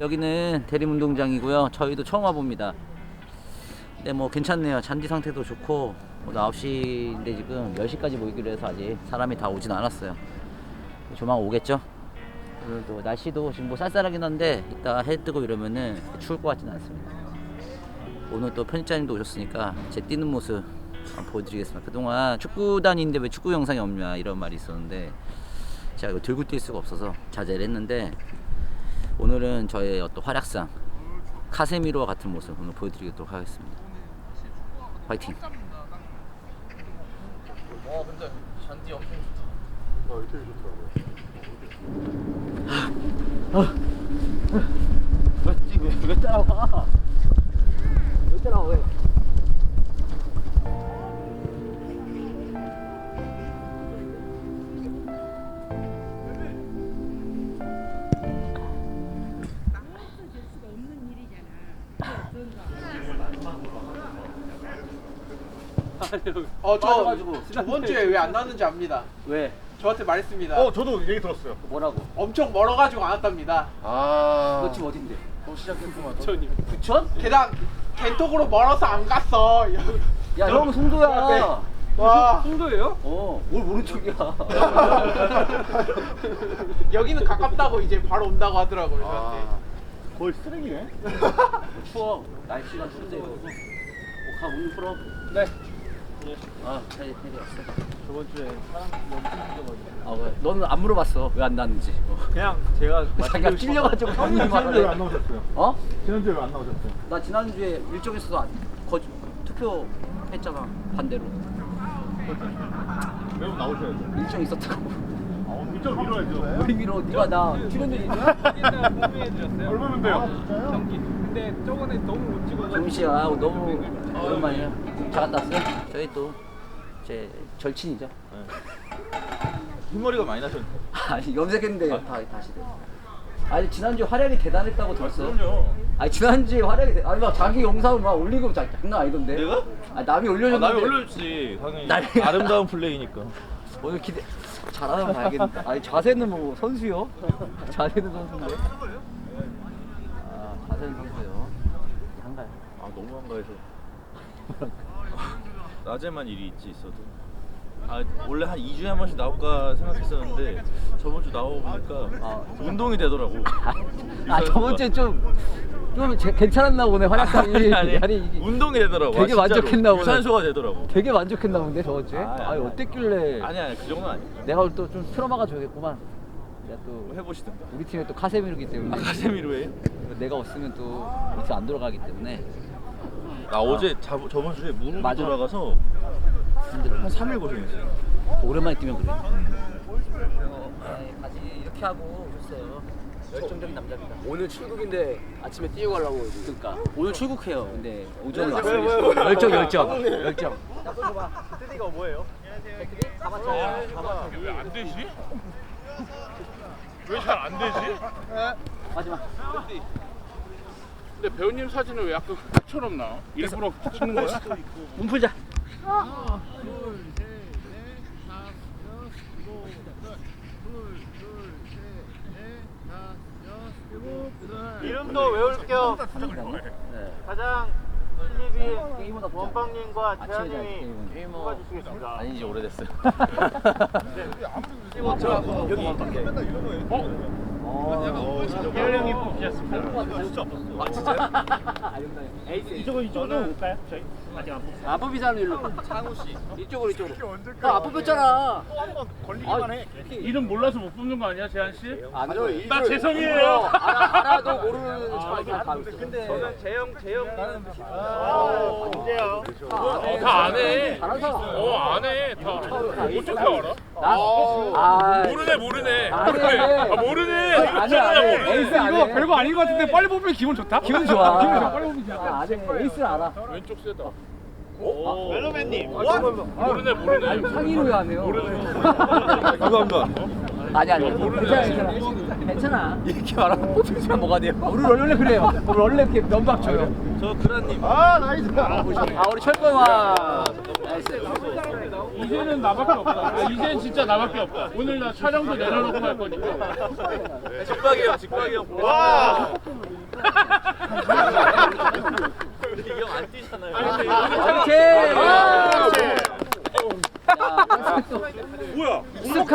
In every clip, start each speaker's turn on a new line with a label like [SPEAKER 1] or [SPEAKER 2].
[SPEAKER 1] 여기는 대림운동장이고요. 저희도 처음 와봅니다. 근데 뭐 괜찮네요. 잔디 상태도 좋고 오늘 9시인데 지금 10시까지 모이기로 해서 아직 사람이 다 오진 않았어요. 조만 오겠죠? 오늘도 날씨도 지금 뭐 쌀쌀하긴 한데 이따 해 뜨고 이러면은 추울 것 같지는 않습니다. 오늘 또 편집자님도 오셨으니까 제 뛰는 모습 한번 보여드리겠습니다. 그동안 축구단인데 왜 축구 영상이 없냐 이런 말이 있었는데 제가 이거 들고 뛸 수가 없어서 자제를 했는데 오늘은 저의 어떤 활약상 카세미로와 같은 모습 오늘 보여드리도록 하겠습니다. 화이팅!
[SPEAKER 2] 와 근데 잔디 엄청 좋다.
[SPEAKER 3] 되게 좋더라고요.
[SPEAKER 1] 왜 따라와? 왜 따라와 왜?
[SPEAKER 2] 저 저번 주에 왜 안 나왔는지 압니다.
[SPEAKER 1] 왜?
[SPEAKER 2] 저한테 말했습니다.
[SPEAKER 3] 저도 얘기 들었어요.
[SPEAKER 1] 뭐라고?
[SPEAKER 2] 엄청 멀어가지고 안 왔답니다.
[SPEAKER 1] 너 지금 어딘데?
[SPEAKER 3] 시작했구만.
[SPEAKER 1] 부천?
[SPEAKER 2] 게다가 겐톡으로 멀어서 안 갔어.
[SPEAKER 1] 야, 형 송도야.
[SPEAKER 2] 와
[SPEAKER 1] 송도예요? 뭘 모른 척이야.
[SPEAKER 2] 여기는 가깝다고 이제 바로 온다고 하더라고요. 저한테.
[SPEAKER 3] 거의 쓰레기네.
[SPEAKER 1] 추워. 날씨가 추운데 이거. 가 문을 풀어. 네. 테리 왔어.
[SPEAKER 3] 저번 주에 사람 너무 힘들어가지고.
[SPEAKER 1] 왜? 너는 안 물어봤어. 왜 안 나왔는지.
[SPEAKER 3] 그냥 제가
[SPEAKER 1] 자기가 찔려가지고 형님
[SPEAKER 3] 지난주에 왜
[SPEAKER 1] 말하래.
[SPEAKER 3] 안 나오셨어요?
[SPEAKER 1] 어?
[SPEAKER 3] 지난주에 왜 안 나오셨어요?
[SPEAKER 1] 나 지난주에 일정 있어서 투표했잖아. 반대로.
[SPEAKER 3] 매우 나오셔야죠.
[SPEAKER 1] 일정 있었다고.
[SPEAKER 3] 일정 미뤄야죠.
[SPEAKER 1] 우리 미로 네가 나 출연료 있냐?
[SPEAKER 3] 얼마인데요?
[SPEAKER 4] 경기. 근데 저번에 너무 못 찍어서
[SPEAKER 1] 정민 씨야 너무 오랜만이야. 잘 갔다 왔어요? 저희 또 제 절친이죠.
[SPEAKER 3] 흰머리가 많이 나셨네.
[SPEAKER 1] 아니 염색했는데 다시 돼. 아니 지난주 활약이 대단했다고 들었어.
[SPEAKER 3] 그럼요.
[SPEAKER 1] 아니 지난주에 활약이 아니 막 자기 영상을 막 올리고 장난 아니던데.
[SPEAKER 5] 내가?
[SPEAKER 1] 아니 남이 올려줬는데.
[SPEAKER 5] 남이 올려줬지 당연히
[SPEAKER 1] 남이-
[SPEAKER 5] 아름다운 플레이니까.
[SPEAKER 1] 오늘 기대 잘하면 봐야겠는데. 아니 자세는 뭐 선수요? 자세는 선수인데. 자세는 선수요. 한가요?
[SPEAKER 5] 아 너무 한가해서 낮에만 일이 있어도 원래 한 2주에 한 번씩 나올까 생각했었는데 저번 주 나와보니까 운동이 되더라고.
[SPEAKER 1] 저번 주에 좀 괜찮았나 보네 활약상이.
[SPEAKER 5] 아니
[SPEAKER 1] 이게
[SPEAKER 5] 운동이 되더라고.
[SPEAKER 1] 되게
[SPEAKER 5] 진짜로.
[SPEAKER 1] 만족했나 보네.
[SPEAKER 5] 유산소가 되더라고.
[SPEAKER 1] 되게 만족했나 본데 저번 주에.
[SPEAKER 5] 아니,
[SPEAKER 1] 어땠길래?
[SPEAKER 5] 아니 그 정도는 아니야.
[SPEAKER 1] 내가 오늘 또 좀 틀어막아 줘야겠구만. 내가 또
[SPEAKER 5] 뭐 해보시든가.
[SPEAKER 1] 우리 팀에 또 카세미르기 때문에.
[SPEAKER 5] 아카데미로 해.
[SPEAKER 1] 내가 없으면 또 우리 팀 안 돌아가기 때문에.
[SPEAKER 5] 나 어제 저번 주에 무릎이
[SPEAKER 1] 맞아.
[SPEAKER 5] 돌아가서
[SPEAKER 1] 힘들어.
[SPEAKER 5] 한 3일 고생했어요.
[SPEAKER 1] 오랜만에 뛰면 그래. 바지 이렇게 하고 오셨어요. 열정적인 남자입니다.
[SPEAKER 4] 오늘 출국인데 아침에 뛰고 가려고
[SPEAKER 1] 그러니까 오늘 출국해요. 근데 오전에 왔어요. 열정. 나또 줘봐.
[SPEAKER 2] 뜨디가 뭐예요?
[SPEAKER 1] 가봤죠.
[SPEAKER 6] 왜 안 되지? 왜 잘 안 되지?
[SPEAKER 1] 마지막.
[SPEAKER 6] 근데 배우님 사진은 왜 약간 흑처럼 나와? 일부러 붙이는 거야?
[SPEAKER 1] 몸 풀자.
[SPEAKER 2] 이름도 외울 겸
[SPEAKER 1] 네.
[SPEAKER 2] 가장 신입이
[SPEAKER 1] 게임보다 보자.
[SPEAKER 2] 원빵님과
[SPEAKER 1] 아침에
[SPEAKER 2] 재현님이
[SPEAKER 1] 게임은
[SPEAKER 2] 뽑아주시겠습니다.
[SPEAKER 5] 아니지 오래됐어요.
[SPEAKER 2] 재현 형이 뽑으셨습니다.
[SPEAKER 4] 이쪽으로 올까요? 저희 아직 안 뽑았어요. 안 뽑히잖아 일로. 창우 씨. 이쪽으로. 나 안 뽑혔잖아.
[SPEAKER 3] 걸리기만 해.
[SPEAKER 6] 이름 몰라서 못 뽑는 거 아니야, 재한 씨?
[SPEAKER 4] 아니요.
[SPEAKER 6] 나 죄송해요.
[SPEAKER 4] 알아도 모르는 사람이 다 있어.
[SPEAKER 2] 저는 재영
[SPEAKER 4] 문제요.
[SPEAKER 6] 다 안 해.
[SPEAKER 4] 잘한 사람.
[SPEAKER 6] 안 해. 다. 어떻게 알아? 모르네. 모르네.
[SPEAKER 1] 아니야. 에이스 안 해.
[SPEAKER 6] 별거 아닌 것 같은데 빨리 뽑으면 기분 좋다?
[SPEAKER 1] 기분 좋아.
[SPEAKER 6] 빨리 뽑으면 좋다.
[SPEAKER 1] 안 해. 에이스를 알아.
[SPEAKER 6] 왼쪽 세다.
[SPEAKER 2] 멜로맨님.
[SPEAKER 6] 모르네.
[SPEAKER 1] 상의로 안 해요.
[SPEAKER 5] 감사합니다.
[SPEAKER 1] 아니. 괜찮아. 이렇게 말하면 뽑히면 뭐가 돼요? 우리 원래 그래요. 우리 원래 이렇게 면박 줘요.
[SPEAKER 5] 저 그란님.
[SPEAKER 3] 나이스.
[SPEAKER 1] 우리 철권와 나이스.
[SPEAKER 6] 이제는 나밖에 없다. 이제는 진짜 나밖에 없다. 오늘 나 촬영도 내려놓고 갈 거니까.
[SPEAKER 5] 직박이요, 직박이요.
[SPEAKER 3] 와.
[SPEAKER 5] 이형안 뛰잖아요.
[SPEAKER 3] 뭐야?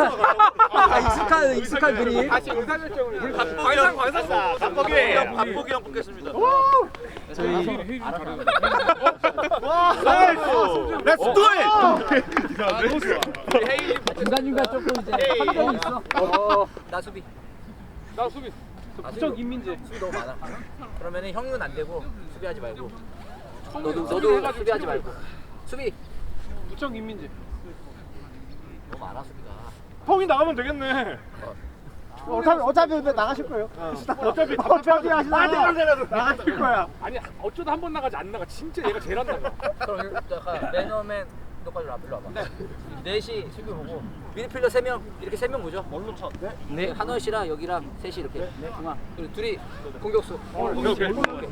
[SPEAKER 1] 익숙한 그림.
[SPEAKER 2] 다시 의사결정을
[SPEAKER 5] 박보기 형 뽑겠습니다.
[SPEAKER 3] Let's do it.
[SPEAKER 1] 중간중간 조금 이제 함정이 있어. 나 수비.
[SPEAKER 4] 나 수비. 부쩍 인민재.
[SPEAKER 1] 수비 너무 많아. 그러면은 형은 안 되고 수비하지 말고. 너도 수비하지 말고. 수비.
[SPEAKER 4] 부쩍 인민재.
[SPEAKER 1] 너무 많아 수비가.
[SPEAKER 3] 형이 나가면 되겠네.
[SPEAKER 7] 어차피 나가실 거예요.
[SPEAKER 3] 어차피
[SPEAKER 7] 하시다가 나가실 거야.
[SPEAKER 4] 아니 어쩌다 한 번 나가지 안 나가. 진짜 얘가 제일 안 나가.
[SPEAKER 1] 그럼 약간 매너맨 너까지 일로 와봐. 넷이 수비 보고 미드필더 3명 이렇게 3명 보죠. 뭘로 쳐? 네. 한원 씨랑 여기랑 셋이 이렇게. 네. 중앙. 그리고 둘이 공격수.
[SPEAKER 3] 오케이.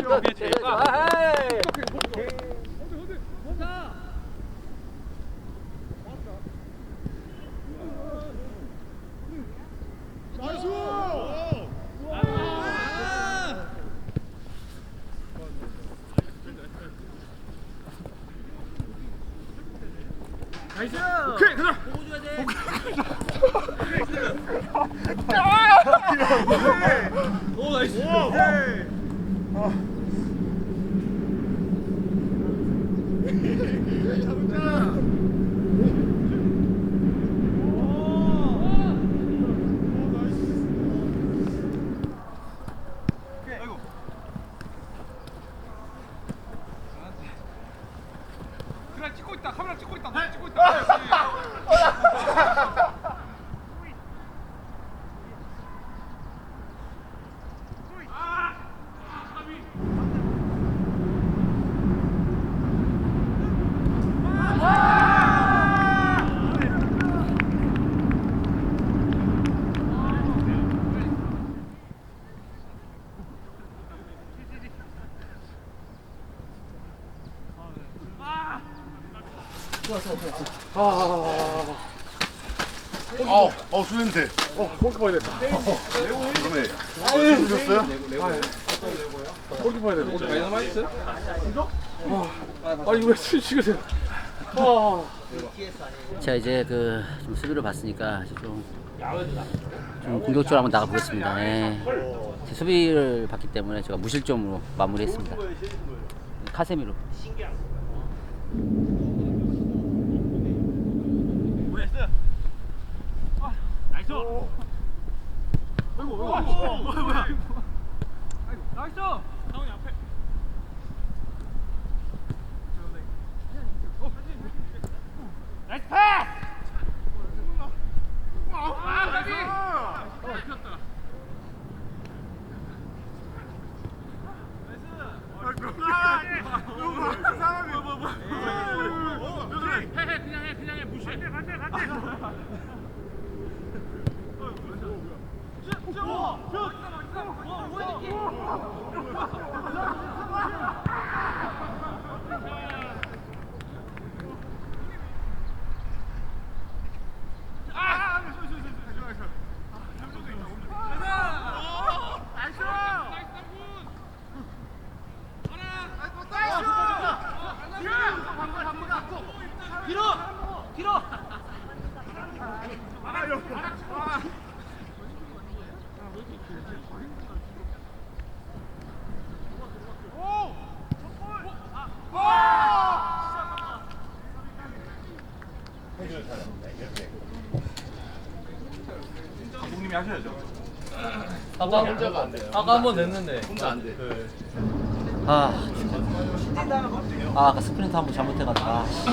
[SPEAKER 6] 오케이, 가자.
[SPEAKER 5] 오 나이스.
[SPEAKER 6] 그래 찍고 있다. 카메라 찍고 있다. 너 찍고 있다.
[SPEAKER 3] 수냄새. 골키퍼 해야 된다. 그러네. 주셨어요? 골키퍼 해야 된다.
[SPEAKER 6] 다이너마이트?
[SPEAKER 3] 아니 왜 치시겠어요?
[SPEAKER 1] 자 이제 좀 수비를 봤으니까 이제 좀 공격적으로 한번 나가 보겠습니다. 예. 제 수비를 봤기 때문에 제가 무실점으로 마무리했습니다. 카세미로.
[SPEAKER 6] 그냥 해 무시해.
[SPEAKER 3] 감독님이 하셔야죠.
[SPEAKER 5] 아까 한 번 냈는데. 혼자 안 돼.
[SPEAKER 1] 아까 스프린트 한 번 잘못해가지고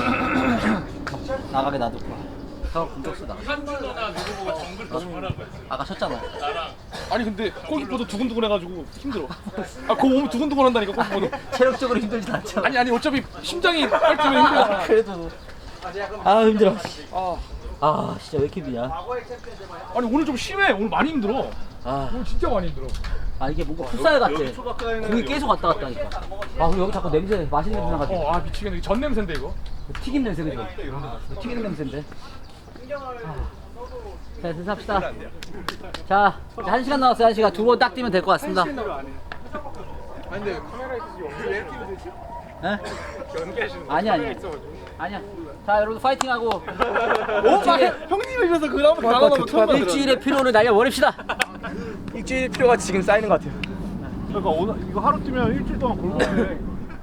[SPEAKER 1] 나가게 놔뒀고. 형 공격수 나가.
[SPEAKER 6] 한준호나 누구 보고 정글 조심하라고 했어.
[SPEAKER 1] 아까 쳤잖아.
[SPEAKER 3] 아니 근데 골키퍼도 두근두근해가지고 힘들어. 그거 몸이 두근두근한다니까 골키퍼도.
[SPEAKER 1] 체력적으로 힘들진 않잖아.
[SPEAKER 3] 아니 어차피 심장이 빨리면 힘들어.
[SPEAKER 1] 그래도 힘들어. 진짜 왜 이렇게 미야.
[SPEAKER 3] 아니 오늘 좀 심해. 오늘 많이 힘들어. 오늘 진짜 많이 힘들어.
[SPEAKER 1] 이게 뭔가 풋살 같아. 공이 계속 왔다 갔다 하니까. 그리고 여기 자꾸 냄새, 맛있는 냄새 나가지고.
[SPEAKER 3] 미치겠네. 전 냄새인데 이거.
[SPEAKER 1] 튀김 냄새 그죠? 튀김 냄새인데. 자, 됐어 합시다. 자, 1시간 남았어요. 1시간. 2번 딱 뛰면 될 것 같습니다.
[SPEAKER 2] 아니 근데 카메라에서 왜 이렇게 되지?
[SPEAKER 1] 에?
[SPEAKER 2] 연기하시는
[SPEAKER 1] 아니야. 자, 여러분 파이팅하고
[SPEAKER 3] 형님을 위해서 그 다음에 나눠놓고 처음 봤어요.
[SPEAKER 1] 일주일의 피로를 날려버립시다.
[SPEAKER 3] 일주일 필요가 지금 쌓이는 것 같아요.
[SPEAKER 7] 그러니까 오늘 이거 하루 뛰면 일주일 동안 골고루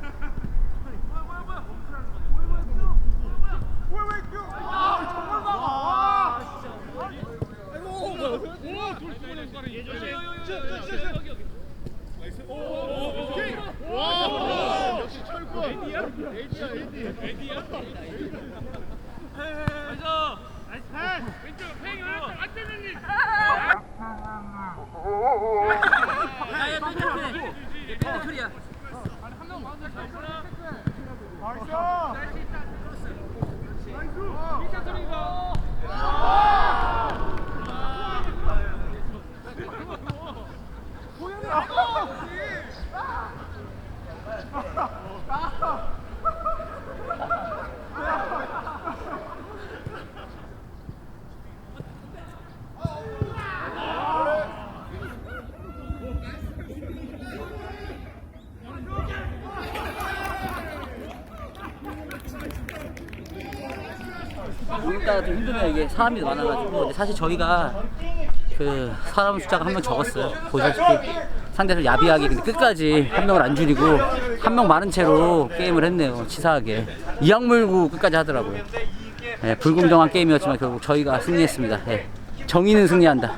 [SPEAKER 1] 오늘따라 좀 힘드네요. 이게 사람이 많아가지고. 근데 사실 저희가 그 사람 숫자가 한 명 적었어요. 보시다시피 상대를 야비하게 근데 끝까지 한 명을 안 줄이고 한 명 많은 채로 게임을 했네요. 치사하게 이악 물고 끝까지 하더라고요. 예, 불공정한 게임이었지만 결국 저희가 승리했습니다. 예, 정의는 승리한다.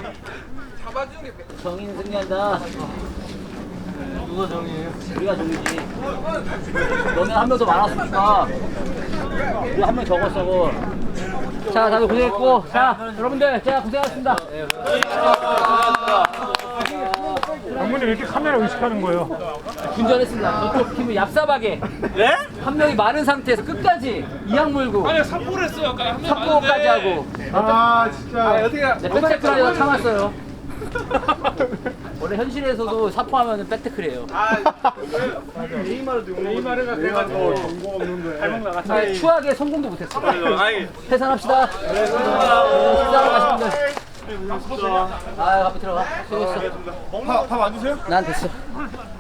[SPEAKER 1] 정의는 승리한다. 누가 정의예요? 우리가 정의지. 너네 한 명 더 많았으니까 우리 한 명 적었어. 자, 다들 고생했고, 자, 여러분들 제가 고생하셨습니다.
[SPEAKER 7] 장모님 왜 이렇게 카메라 의식하는 거예요?
[SPEAKER 1] 분전했습니다. 저쪽 팀은 얍삽하게 한 명이 많은 상태에서 끝까지 이악 물고
[SPEAKER 3] 아니 삽포를 했어요. 아까 한명
[SPEAKER 1] 삽고까지 하고
[SPEAKER 7] 아 진짜
[SPEAKER 1] 네, 백태클하려다 참았어요. 원래 현실에서도 사포하면 백태클이에요.
[SPEAKER 7] 네이마르가 그래가지고 정보 없는데
[SPEAKER 1] 근데 추하게 성공도 못했어요. 해산합시다. 식사하러 가신 분들. 아, 앞에 들어가. 수고했어.
[SPEAKER 7] 밥안 드세요?
[SPEAKER 1] 난 됐어.